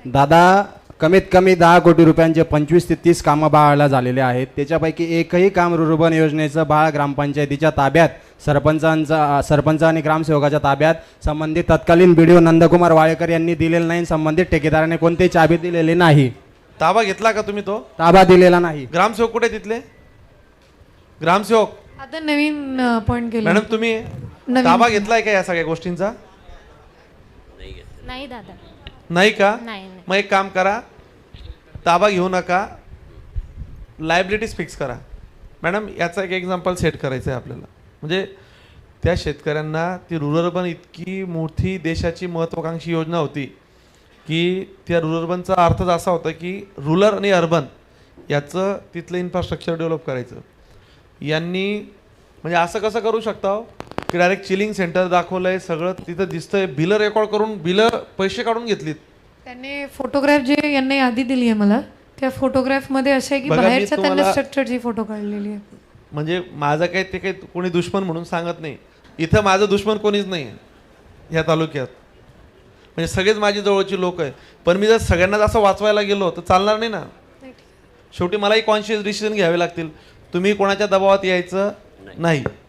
दादा कमीत कमी 10 कोटी रुपयांचे 25 ते 30 कामं बाळाला झालेले आहेत. त्याच्यापैकी एकही काम रुर्बन योजनेचं बाळ ग्रामपंचायतीच्या ताब्यात सरपंच आणि ग्रामसेवकाच्या ताब्यात संबंधित तत्कालीन BDO नंदकुमार वाळेकर यांनी दिलेलं नाही. संबंधित ठेकेदाराने कोणतेही चाबी दिलेली नाही. ताबा घेतला का तुम्ही? तो ताबा दिलेला नाही. ग्रामसेवक कुठे तिथले? ग्रामसेवक आता नवीन अपॉइंट केलं. मॅडम तुम्ही ताबा घेतलाय का या सगळ्या गोष्टींचा? नाही दादा. नाही का? नाही. मग एक काम करा, ताबा घेऊ नका, लायबिलिटीज फिक्स करा. मॅडम याचा एक एक्झाम्पल सेट करायचं आहे आपल्याला. म्हणजे त्या शेतकऱ्यांना ती रुरल अर्बन इतकी मोठी देशाची महत्त्वाकांक्षी योजना होती की त्या रुरल अर्बनचा अर्थच असा होता की रुरल आणि अर्बन याचं तिथलं इन्फ्रास्ट्रक्चर डेव्हलप करायचं. यांनी म्हणजे असं कसं करू शकता हो की डायरेक्ट चिलिंग सेंटर दाखवलंय, सगळं तिथं दिसतंय, बिलं रेकॉर्ड करून बिलं पैसे काढून घेतलीत. त्यांनी फोटोग्राफ जे यांनी यादी दिली आहे मला, त्या फोटोग्राफमध्ये असं आहे की बघा, मी बाहेरच्या त्यांना तुम्हाला- स्ट्रक्चरची फोटो काढलेली आहे. म्हणजे माझं काही ते काही कोणी दुश्मन म्हणून सांगत नाही. इथं माझं दुश्मन कोणीच नाही आहे ह्या तालुक्यात. म्हणजे सगळेच माझी जवळची लोक आहे. पण मी जर सगळ्यांना असं वाचवायला गेलो तर चालणार नाही ना. शेवटी मलाही कॉन्शियस डिसिजन घ्यावे लागतील. तुम्ही कोणाच्या दबावात यायचं नाही.